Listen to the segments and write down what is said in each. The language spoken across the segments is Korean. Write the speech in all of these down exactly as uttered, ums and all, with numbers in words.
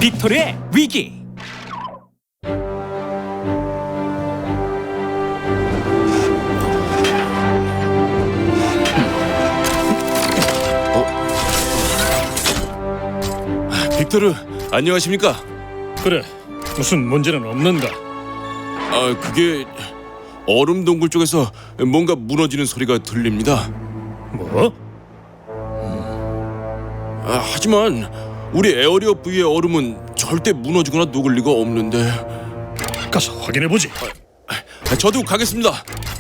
빅토르의 위기. 빅토르, 안녕하십니까? 그래, 무슨 문제는 없는가? 아, 그게 얼음 동굴 쪽에서 뭔가 무너지는 소리가 들립니다. 뭐? 아, 하지만 우리 에어리어 V의 얼음은 절대 무너지거나 녹을 리가 없는데. 가서 확인해보지. 아, 저도 가겠습니다.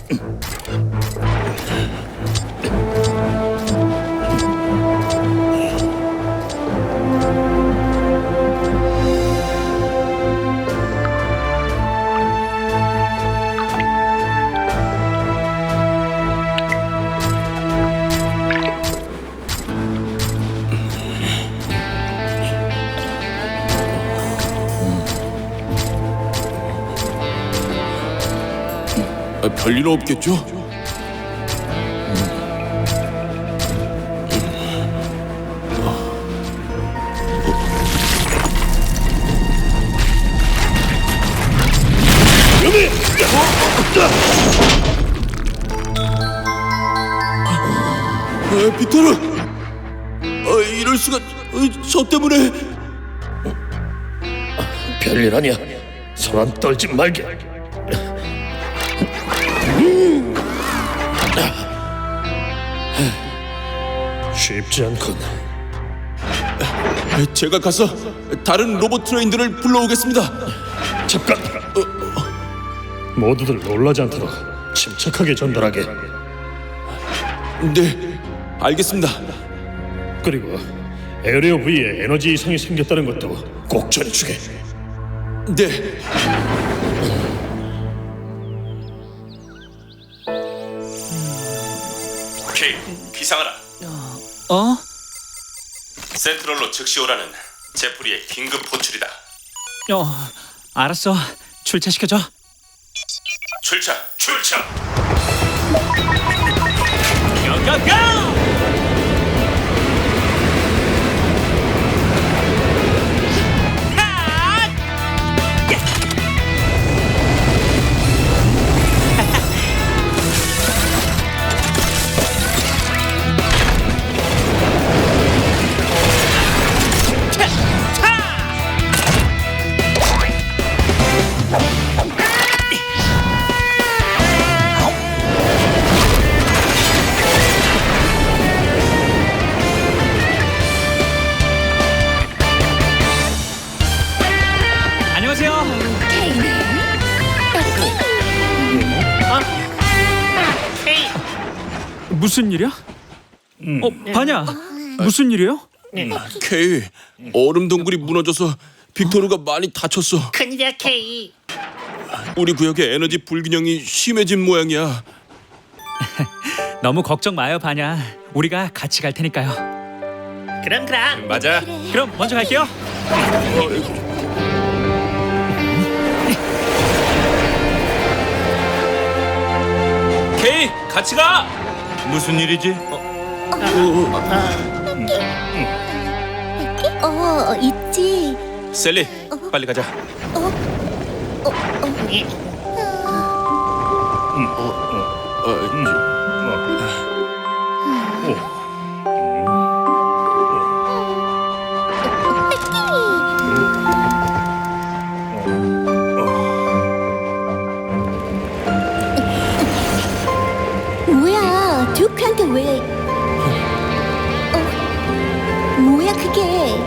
아, 별일 없겠죠? 아, 빅토르! 아, 이럴 수가... 아, 저 때문에... 별일 아니야. 사람 떨지 말게. 쉽지 않군. 제가 가서 다른 로봇 트레인들을 불러오겠습니다. 잠깐. 모두들 놀라지 않도록 침착하게 전달하게. 네, 알겠습니다. 그리고 에어리어 V에 에너지 이상이 생겼다는 것도 꼭 전해주게. 네. 케이, 기상하라. 어? 센트럴로 즉시 오라는 제프리의 긴급 호출이다. 어, 알았어. 출차시켜줘. 출차, 출차. 고고고! 안녕하세요. 무슨 일이야? 어, 바냐. 무슨 일이에요? 케이, 얼음 동굴이 무너져서 빅토르가 많이 다쳤어. 큰일이야, 케이. 우리 구역의 에너지 불균형이 심해진 모양이야. 너무 걱정 마요, 바냐. 우리가 같이 갈 테니까요. 그럼 그럼. 맞아. 그럼 먼저 갈게요. 케이, 같이 가. 무슨 일이지? 어, 있지. 셀리, 빨리 가자. 뭐야, 듀크한테 왜? 어, 뭐야 그게?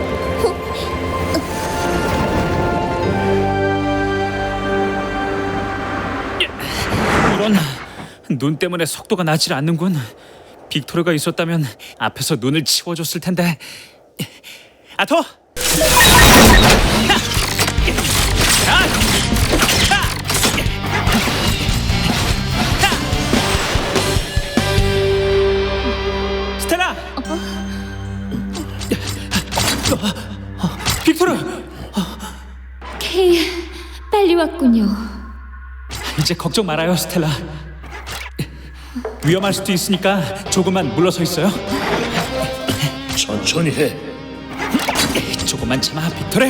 이런, 눈 때문에 속도가 나질 않는군. 빅토르가 있었다면 앞에서 눈을 치워줬을 텐데. 아토! 스텔라! 빅토르! 케이, 빨리 왔군요. 이제 걱정 말아요, 스텔라. 위험할 수도 있으니까 조금만 물러서 있어요. 천천히 해. 조금만 참아, 빅토르.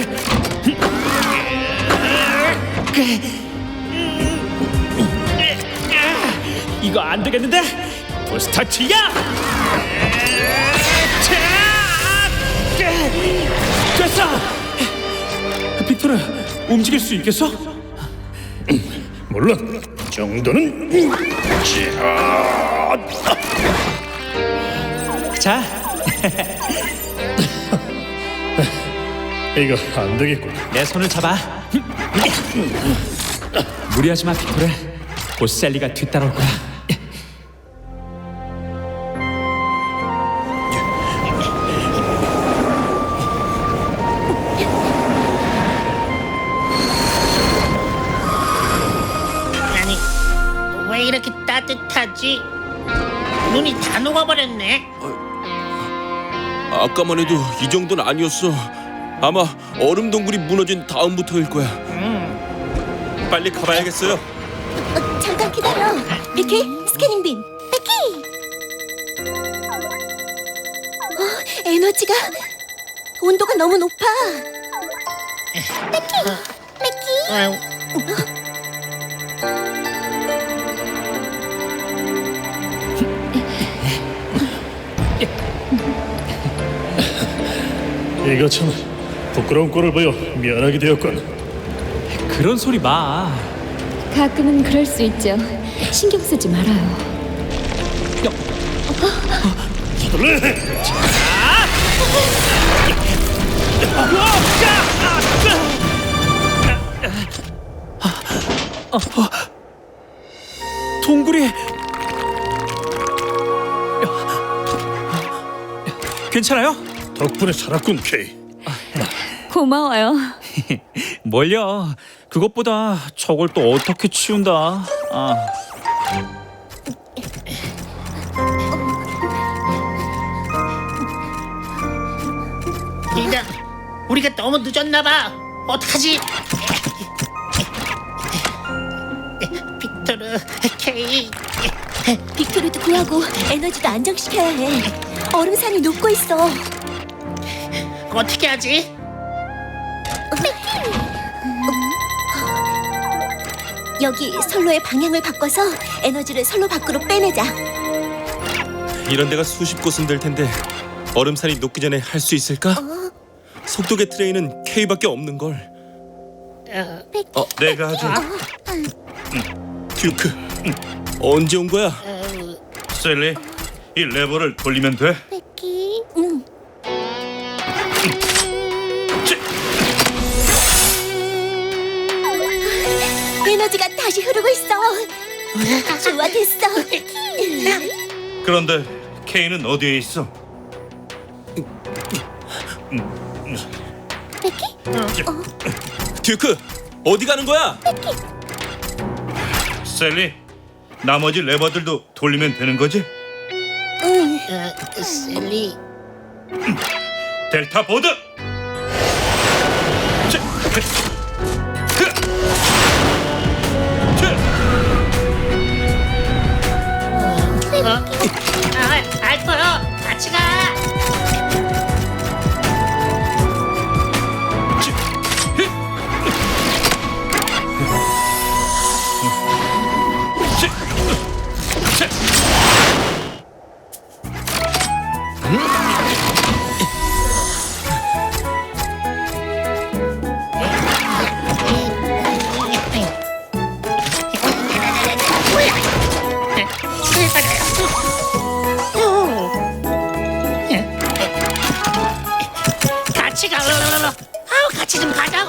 이거 안 되겠는데? 부스터치야! 됐어! 빅토르, 움직일 수 있겠어? 물론 이 정도는. 자, 이거 안 되겠군. 내 손을 잡아. 무리하지 마, 빅토르. 곧 셀리가 뒤따라올 거야. 아니, 왜 이렇게 따뜻하지? 눈이 다 녹아버렸네. 아까만 해도 이 정도는 아니었어. 아마 얼음 동굴이 무너진 다음부터일 거야. 빨리 가봐야겠어요. 어, 잠깐 기다려. 비키, 스캐닝 빔. 비키. 어, 에너지가 온도가 너무 높아. 비키, 비키. 아유, 이거 참 부끄러운 꼴을 보여 미안하게 되었군. 그런 소리 마. 가끔은 그럴 수 있죠. 신경 쓰지 말아요. 서둘러. 동굴이 괜찮아요? 덕분에 살았군, 케이. 고마워요. 뭘요? 그것보다 저걸 또 어떻게 치운다. 아, 이제 우리가 너무 늦었나 봐. 어떡하지? 빅토르, 케이. 빅토르도 구하고 에너지도 안정시켜야 해. 얼음산이 녹고 있어. 어떻게 하지? 여기 선로의 방향을 바꿔서 에너지를 선로 밖으로 빼내자. 이런 데가 수십 곳은 될 텐데 얼음산이 녹기 전에 할 수 있을까? 속도계 트레이는 K밖에 없는 걸. 어, 내가 하죠. 듀크, 언제 온 거야? 셀리, 이 레버를 돌리면 돼. 베키. 응. 에너지가 다시 흐르고 있어. 좋아, 됐어. 그런데 케이는 어디에 있어? 듀크, 어디 가는 거야? 셀리, 나머지 레버들도 돌리면 되는 거지? 응. 어, 셀리. 델타 보드. 어? 아, 알파요. 같이 가. 같이 가. 아우, 같이 좀 가자고.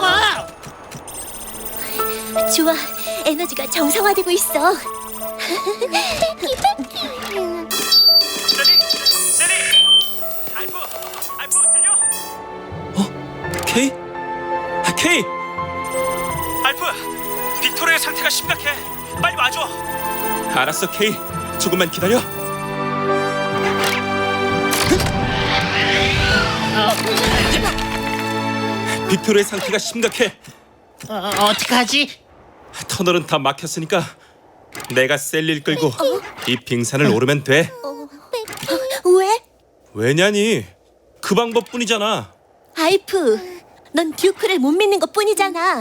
좋아, 에너지가 정상화되고 있어. 셀리, 셀리, 알프, 알프 들려? K? 아, K! 알프, 빅토르의 상태가 심각해. 빨리 와줘. 알았어, K. 조금만 기다려. 빅토르의 상태가 심각해. 어, 어떡하지? 터널은 다 막혔으니까 내가 셀리를 끌고 이 빙산을 오르면 돼. 왜? 왜냐니? 그 방법뿐이잖아. 알프, 넌 듀크를 못 믿는 것 뿐이잖아.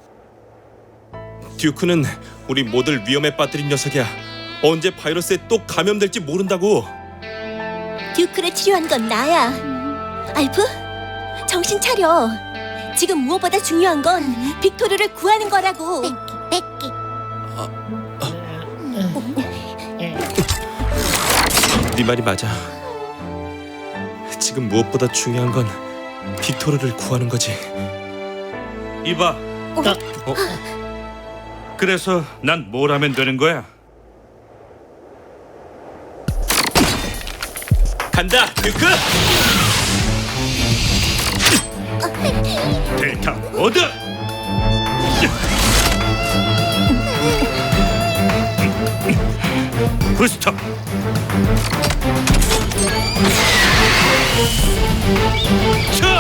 듀크는 우리 모두를 위험에 빠뜨린 녀석이야. 언제 바이러스에 또 감염될지 모른다고. 듀크를 치료한 건 나야. 알프, 정신 차려. 지금 무엇보다 중요한 건 빅토르를 구하는 거라고. 뺏기. 네 말이 맞아. 지금 무엇보다 중요한 건 빅토르를 구하는 거지. 이봐. 어? 그래서 난 뭘 하면 되는 거야? 간다, 듀크! 델타 모드. 부스터. 차!